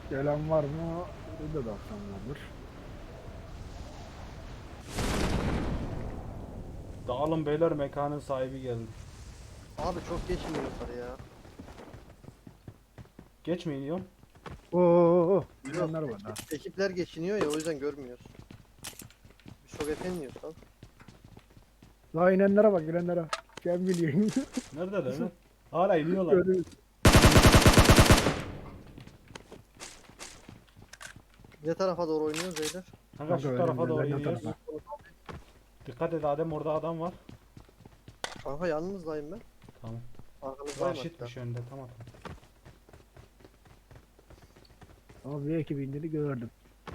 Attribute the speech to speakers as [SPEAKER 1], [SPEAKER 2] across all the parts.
[SPEAKER 1] Gelen var mı? Burada da atsam vardır.
[SPEAKER 2] Dağılın beyler, mekanın sahibi geldi.
[SPEAKER 3] Abi çok geç iniyorlar ya.
[SPEAKER 2] Geç mi iniyorum?
[SPEAKER 1] Oo,
[SPEAKER 3] Yok,
[SPEAKER 1] gelenler var ha.
[SPEAKER 3] ekipler geçiniyor ya o yüzden görmüyoruz. Biz çok efendiyoruz lan.
[SPEAKER 1] La inenlere bak inenlere. Sen biliyorsun.
[SPEAKER 2] Neredeler lan? Hala iniyorlar.
[SPEAKER 1] Görüyoruz.
[SPEAKER 3] Ne tarafa doğru oynuyoruz beyler?
[SPEAKER 2] Kanka şu
[SPEAKER 1] Kanka,
[SPEAKER 2] tarafa doğru
[SPEAKER 1] önümüzden yan
[SPEAKER 2] iniyoruz.
[SPEAKER 1] tarafa.
[SPEAKER 2] Dikkat et Adem, orada adam var.
[SPEAKER 3] Kanka yalnızdayım ben.
[SPEAKER 2] Tamam.
[SPEAKER 3] Arkanızdayım hatta.
[SPEAKER 2] Raşitmiş önde, tamam.
[SPEAKER 1] Ama bir ekip indiğini gördüm.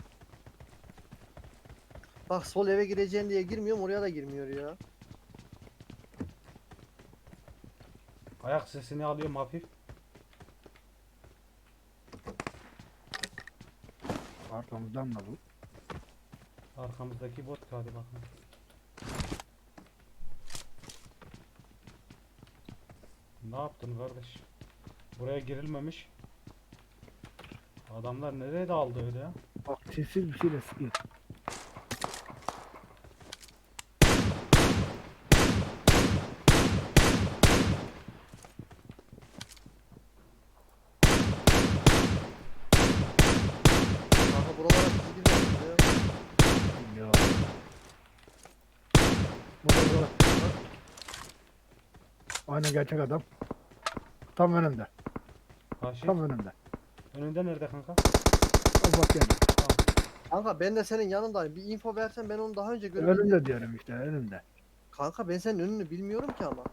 [SPEAKER 3] Bak sol eve gireceğim diye girmiyorum oraya da girmiyor ya.
[SPEAKER 2] Ayak sesini alıyorum hafif.
[SPEAKER 1] Arkamızdan da bu.
[SPEAKER 2] Arkamızdaki bot, hadi bakın. Ne yaptın kardeş? Buraya girilmemiş. Adamlar nereye daldı öyle ya?
[SPEAKER 1] Bak sessiz bir şeyle sıkıyor.
[SPEAKER 3] Kanka buralara siz gidiyorsunuz ya.
[SPEAKER 1] Ya. Burada. Aynen gerçek adam. Tam önümde.
[SPEAKER 2] Raşit.
[SPEAKER 1] Tam önümde.
[SPEAKER 2] Önünde nerede kanka?
[SPEAKER 1] Al bak yani.
[SPEAKER 3] Kanka ben de senin yanındayım. Bir info versen ben onu daha önce görebilirim.
[SPEAKER 1] Önümde diyorum işte önümde.
[SPEAKER 3] Kanka ben senin önünü bilmiyorum ki ama.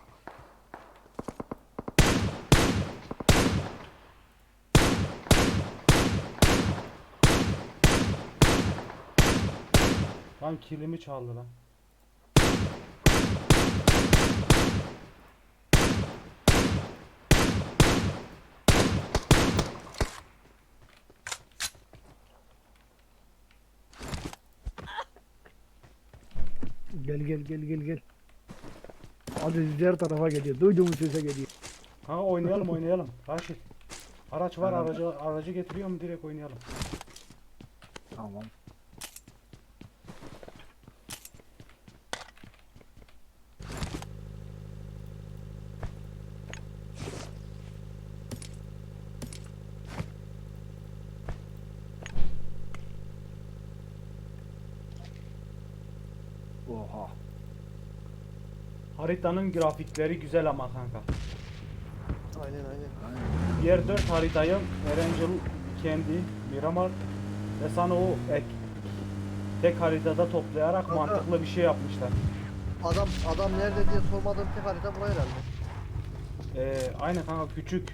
[SPEAKER 2] Lan kilimi çaldı lan.
[SPEAKER 1] Gel. Hadi diğer tarafa geliyor. Duyduğumuz sese geliyor.
[SPEAKER 2] Kanka oynayalım. Raşit. Araç var,
[SPEAKER 1] Tamam.
[SPEAKER 2] aracı getiriyorum, direkt oynayalım.
[SPEAKER 1] Tamam. Oha.
[SPEAKER 2] Haritanın grafikleri güzel ama kanka.
[SPEAKER 3] Aynen.
[SPEAKER 2] Diğer 4 haritayı Erangel, kendi, Miramar ve sana o tek haritada toplayarak
[SPEAKER 3] Kanka.
[SPEAKER 2] mantıklı bir şey yapmışlar.
[SPEAKER 3] Adam nerede diye sormadığım tek harita buraya herhalde.
[SPEAKER 2] Aynen kanka, küçük.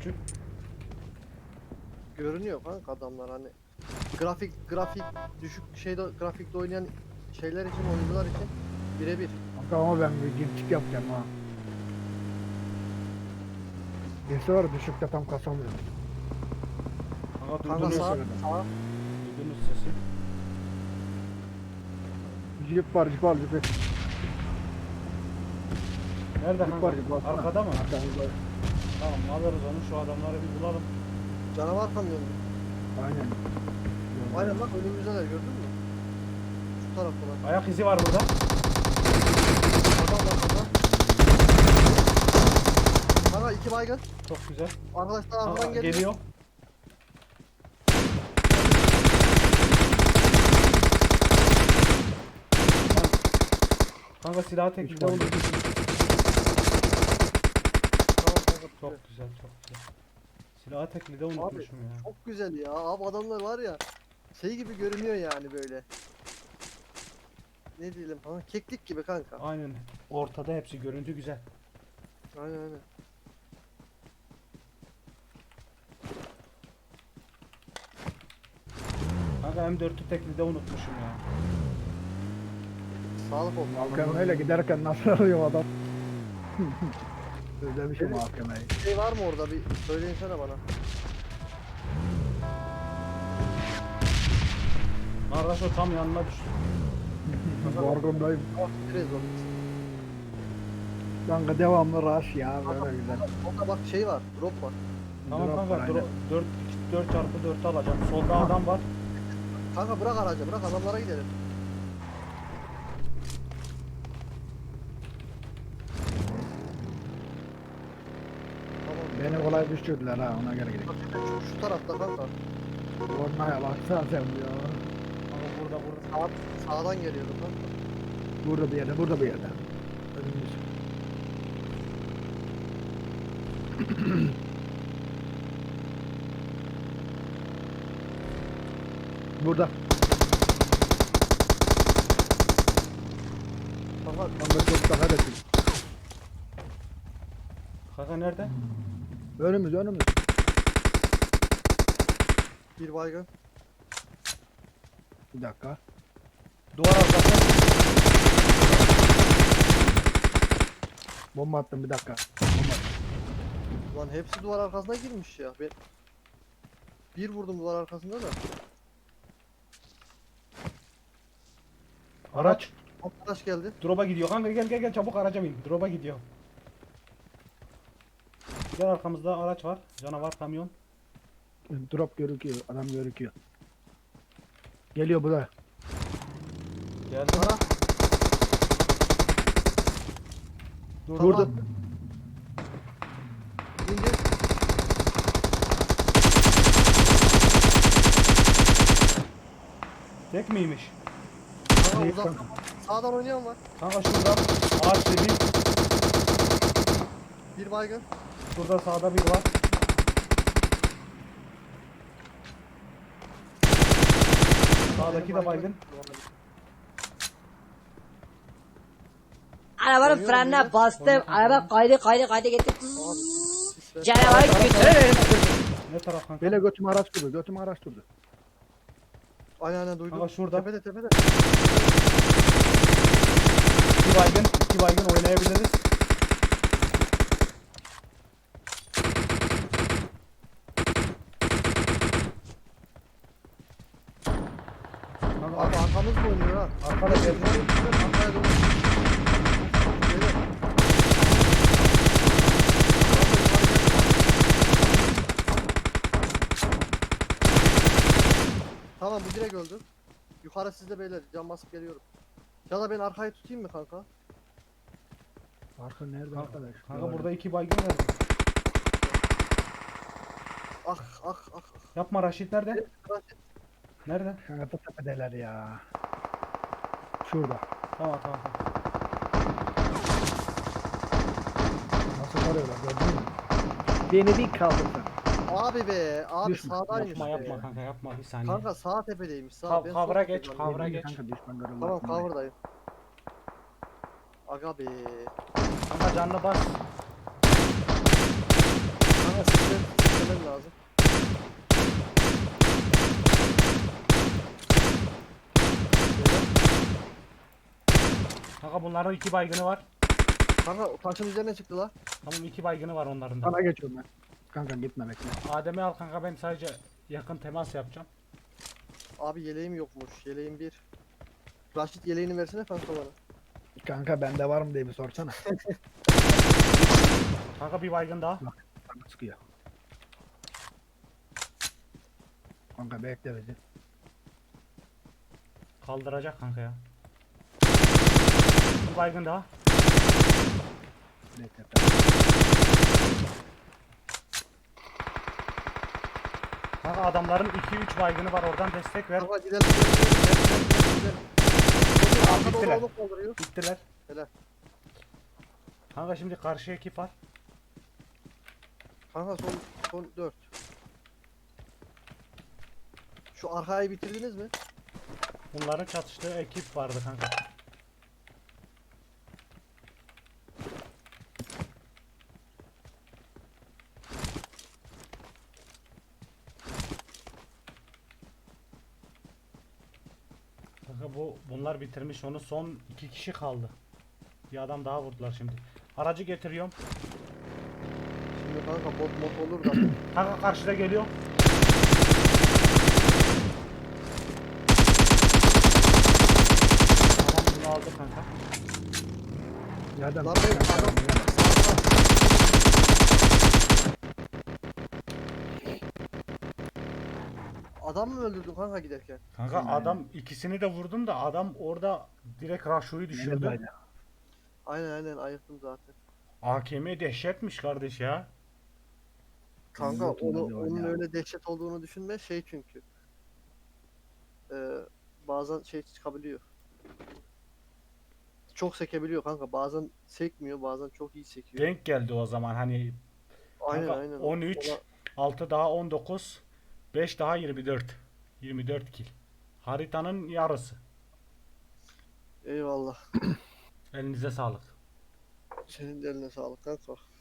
[SPEAKER 3] Görünüyor kanka adamlar hani. Grafik düşük grafikte oynayan şeyler için, oyuncular için birebir.
[SPEAKER 1] Kanka ama ben bir girtik yapacağım ha. Birisi var düşükte tam kasamıyorum.
[SPEAKER 2] Kanka
[SPEAKER 3] Kanka
[SPEAKER 2] duydunuz,
[SPEAKER 3] sağ,
[SPEAKER 1] söyledim.
[SPEAKER 3] sağ.
[SPEAKER 2] duydunuz sesi.
[SPEAKER 1] Jip var.
[SPEAKER 2] Nerede
[SPEAKER 1] Jip
[SPEAKER 2] kanka?
[SPEAKER 1] var.
[SPEAKER 2] Arkada mı?
[SPEAKER 1] Arkamızda.
[SPEAKER 2] Tamam, alırız onu, şu adamları bir bulalım.
[SPEAKER 3] Canavar kamyonu.
[SPEAKER 1] Aynen.
[SPEAKER 3] Aynen bak önümüzdeler gördün mü? Şu taraftalar.
[SPEAKER 2] Ayak izi var burada.
[SPEAKER 3] Adam var burada. Kanka iki baygın.
[SPEAKER 2] Çok güzel.
[SPEAKER 3] Arkadaşlar
[SPEAKER 2] Kanka,
[SPEAKER 3] arkadan geliyor.
[SPEAKER 2] geliyor. Kanka silahı tek
[SPEAKER 1] Üç
[SPEAKER 2] bir de
[SPEAKER 1] var.
[SPEAKER 2] olur.
[SPEAKER 3] Tamam kanka.
[SPEAKER 2] Çok güzel. Silahı teklide unutmuşum ya.
[SPEAKER 3] Çok güzel ya. Abi adamlar var ya. Şey gibi görünüyor yani böyle. Ne diyelim ha? Keklik gibi kanka.
[SPEAKER 2] Aynen. Ortada hepsi, görüntü güzel.
[SPEAKER 3] Aynen.
[SPEAKER 2] Kanka M4'ü teklide unutmuşum ya.
[SPEAKER 3] Sağlık olsun.
[SPEAKER 1] AKM'yle giderken nasıl arıyor adam? Özlemişim AKM'yi.
[SPEAKER 3] Şey var mı orada bir söyleyinsene bana.
[SPEAKER 2] Kardeş o tam yanına düştü.
[SPEAKER 1] Borgundayım.
[SPEAKER 3] Biraz onu.
[SPEAKER 1] Kanka devamlı rush ya böyle güzel.
[SPEAKER 3] Orada bak şey var. Drop var.
[SPEAKER 2] Tamam
[SPEAKER 1] Drop
[SPEAKER 2] kanka,
[SPEAKER 1] var, aynen.
[SPEAKER 2] 4x4'ü alacağım. Solda adam var.
[SPEAKER 3] Kanka bırak aracı, bırak adamlara gidelim. Tamam.
[SPEAKER 1] Beni kolay düşürdüler ha, ona göre gidelim.
[SPEAKER 3] Şu tarafta kanka.
[SPEAKER 1] Ormaya baksana sen ya.
[SPEAKER 2] Ama burada.
[SPEAKER 3] Sağdan geliyordu kanka.
[SPEAKER 1] Burada bir yerde, burada bir yerde. Önümüz. Burada.
[SPEAKER 3] Kanka
[SPEAKER 1] Kanka çok daha da değil.
[SPEAKER 2] Kanka nerede?
[SPEAKER 1] Önümüz, önümüz.
[SPEAKER 3] bir baygın.
[SPEAKER 1] Bir dakika.
[SPEAKER 2] Duvar arkası.
[SPEAKER 1] Bomba attım, bir dakika. Bomba attım.
[SPEAKER 3] Lan hepsi duvar arkasına girmiş ya. Ben bir vurdum duvar arkasında da.
[SPEAKER 2] Araç.
[SPEAKER 3] Arkadaş geldi.
[SPEAKER 2] Drop'a gidiyor. Kanka gel çabuk araca bin. Drop'a gidiyor. Gel arkamızda araç var. Canavar kamyon.
[SPEAKER 1] Drop görüküyor, adam görüküyor. Geliyor bu da.
[SPEAKER 2] Geldi.
[SPEAKER 3] Ara.
[SPEAKER 1] Vurdum.
[SPEAKER 3] İndir.
[SPEAKER 2] Tek miymiş?
[SPEAKER 3] Kanka
[SPEAKER 1] Değil
[SPEAKER 3] uzak.
[SPEAKER 1] kanka.
[SPEAKER 3] Sağdan oynayan var.
[SPEAKER 2] Kanka şurada ağaç dedi.
[SPEAKER 3] Bir baygın.
[SPEAKER 2] Şurada sağda bir var. Sağdaki de baygın.
[SPEAKER 4] Arabanın
[SPEAKER 3] Oynuyor
[SPEAKER 4] frenine
[SPEAKER 3] muyuz?
[SPEAKER 4] bastım. Araba kaydı gitti.
[SPEAKER 3] Abi, sisler.
[SPEAKER 4] Canavarı götürürüm.
[SPEAKER 2] Ne taraf kanka?
[SPEAKER 1] Böyle götümü araç durdu, götümü araç durdu.
[SPEAKER 3] Aynen duydum.
[SPEAKER 2] Kanka şurada.
[SPEAKER 3] Tepede.
[SPEAKER 2] İki baygın oynayabiliriz. Kanka
[SPEAKER 3] Abi arkamız mı oynuyor ha?
[SPEAKER 2] arkada geldi.
[SPEAKER 3] Arkaya doğru. Geliyor. Tamam bu direkt öldü. Yukarı sizde beyler cam basıp geliyorum. Ya da ben arkayı tutayım mı kanka?
[SPEAKER 1] Arka nerede
[SPEAKER 2] Kanka,
[SPEAKER 1] arkadaş?
[SPEAKER 2] kanka burada iki baygın verdim.
[SPEAKER 3] Ah.
[SPEAKER 2] Yapma Raşit nerede? Nerede?
[SPEAKER 1] Kanka da tepedeler ya. Şurada.
[SPEAKER 2] Tamam.
[SPEAKER 1] Nasıl arıyorlar gördün mü? Beni bir kaldırdı.
[SPEAKER 3] Abi be, abi
[SPEAKER 1] Düşme,
[SPEAKER 3] sağdaymış.
[SPEAKER 2] Yapma
[SPEAKER 3] be.
[SPEAKER 2] kanka bir saniye.
[SPEAKER 3] Kanka sağ tepedeymiş sağ.
[SPEAKER 2] Kav-
[SPEAKER 3] Ben
[SPEAKER 2] kavra
[SPEAKER 3] sol
[SPEAKER 2] geç,
[SPEAKER 3] tepedeyim.
[SPEAKER 2] kavra geç.
[SPEAKER 1] Kanka düşman görüldü.
[SPEAKER 3] Tamam cover'dayım. Aga be.
[SPEAKER 2] Kanka canlı bas.
[SPEAKER 3] Kanka sistem lazım.
[SPEAKER 2] Kanka bunların iki baygını var.
[SPEAKER 3] Kanka o taşın üzerine çıktı la.
[SPEAKER 2] Tamam iki baygını var onların da.
[SPEAKER 1] Sana geçiyorum ben. Kanka gitme bekle.
[SPEAKER 2] Adem'i al kanka ben sadece yakın temas yapacağım.
[SPEAKER 3] Abi yeleğim yokmuş. Yeleğim bir. Raşit yeleğini versene kanka bana.
[SPEAKER 1] Kanka bende var mı diye bir sorsana.
[SPEAKER 2] Kanka bir baygın daha.
[SPEAKER 1] Kanka sıkıyor. Kanka bekle bizi.
[SPEAKER 2] Kaldıracak kanka ya. Bir baygın daha.
[SPEAKER 1] Bekle.
[SPEAKER 2] Kanka adamların 2-3 baygını var oradan destek ver.
[SPEAKER 3] Kanka gidelim. Arkada
[SPEAKER 2] bittiler.
[SPEAKER 3] onu kaldırıyor.
[SPEAKER 2] Bittiler.
[SPEAKER 3] Helal.
[SPEAKER 2] Kanka şimdi karşı ekip var.
[SPEAKER 3] Kanka son 4. Şu arkayı bitirdiniz mi?
[SPEAKER 2] Bunların çatıştığı ekip vardı kanka. Kanka bunlar bitirmiş onu, son 2 kişi kaldı. Bir adam daha vurdular şimdi. Aracı getiriyorum.
[SPEAKER 3] Şimdi kanka bot olur da.
[SPEAKER 2] Kanka karşıda geliyor. Tamam bunu aldı kanka.
[SPEAKER 1] Yerden
[SPEAKER 3] Lan ben adam. Adam mı öldürdün kanka giderken?
[SPEAKER 2] Kanka adam ikisini de vurdum da adam orada direkt Raşo'yu düşürdü.
[SPEAKER 1] Aynen.
[SPEAKER 3] Aynen ayıktım zaten.
[SPEAKER 2] AKM dehşetmiş kardeş ya.
[SPEAKER 3] Kanka
[SPEAKER 1] Yokum ben de
[SPEAKER 3] onun
[SPEAKER 1] ya.
[SPEAKER 3] öyle dehşet olduğunu düşünme şey çünkü. Bazen şey çıkabiliyor. Çok sekebiliyor kanka. Bazen sekmiyor, bazen çok iyi sekiyor.
[SPEAKER 2] Denk geldi o zaman hani
[SPEAKER 3] Aynen
[SPEAKER 2] kanka
[SPEAKER 3] aynen.
[SPEAKER 2] 13, 6 daha 19, 5 daha 24. 24 kill. Haritanın yarısı.
[SPEAKER 3] Eyvallah.
[SPEAKER 2] Elinize sağlık.
[SPEAKER 3] Senin de eline sağlık kanka.